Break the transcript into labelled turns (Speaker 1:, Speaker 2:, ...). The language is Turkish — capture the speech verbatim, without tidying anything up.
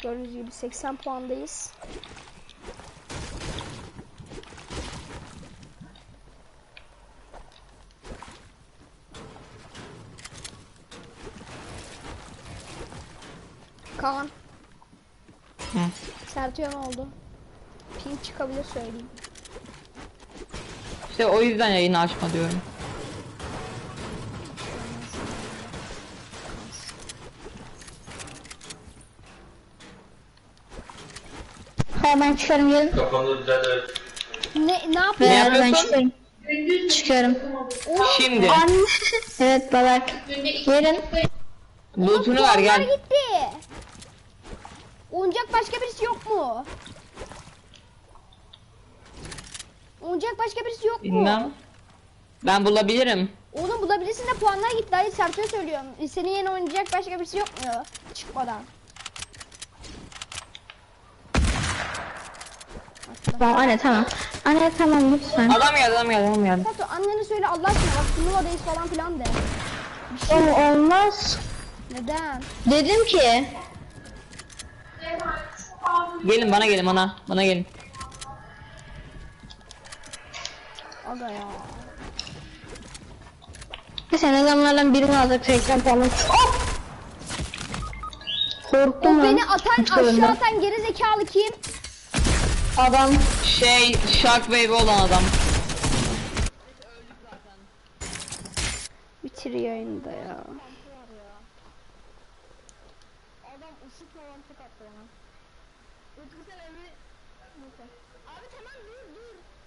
Speaker 1: Gördüğünüz gibi seksen puandayız. Kaan.
Speaker 2: Hı.
Speaker 1: Sertüye ne oldu? Ping çıkabilir söyleyeyim.
Speaker 2: İşte o yüzden yayını açma diyorum.
Speaker 3: Ha ben çıkarım gelin.
Speaker 4: Kafamda düzelt evet.
Speaker 1: Ne ne
Speaker 2: Ne
Speaker 1: yapıyorsun?
Speaker 3: Beyler ben
Speaker 2: yapıyorsun?
Speaker 3: çıkarım. Çıkarım.
Speaker 2: Şimdi.
Speaker 3: Anne. Evet babak. Gelin.
Speaker 2: Loot'unu ver
Speaker 1: Puanlar
Speaker 2: gel.
Speaker 1: gitti. Oyuncak başka birisi yok mu? Oyuncak başka birisi yok mu?
Speaker 2: Bilmem. Ben bulabilirim.
Speaker 1: Oğlum bulabilirsin de puanlar gitti. Hayır Sertü'ye söylüyorum. Senin yeni oynayacak başka birisi yok mu? Çıkmadan.
Speaker 3: Tamam anne tamam. Anne tamam lütfen.
Speaker 2: Adam geldi adam geldi adam geldi.
Speaker 1: Sertü annene söyle Allah aşkına bak turnuvadayız falan filan de.
Speaker 3: Oğlum olmaz.
Speaker 1: Neden?
Speaker 3: Dedim ki.
Speaker 2: Gelin bana gelin bana. Bana gelin.
Speaker 1: Aga ya.
Speaker 3: Sen adamlardan birini alacak seksen puanı. Oh!
Speaker 1: O
Speaker 3: Korktum lan.
Speaker 1: beni atan
Speaker 3: Hiç görmedim.
Speaker 1: aşağı atan geri zekalı kim?
Speaker 3: Adam.
Speaker 2: Şey Shockwave olan adam.
Speaker 1: Bitir yayını da ya.
Speaker 3: Adam ışık falan tık attı ya. Utku sen evi... Abi tamam dur dur.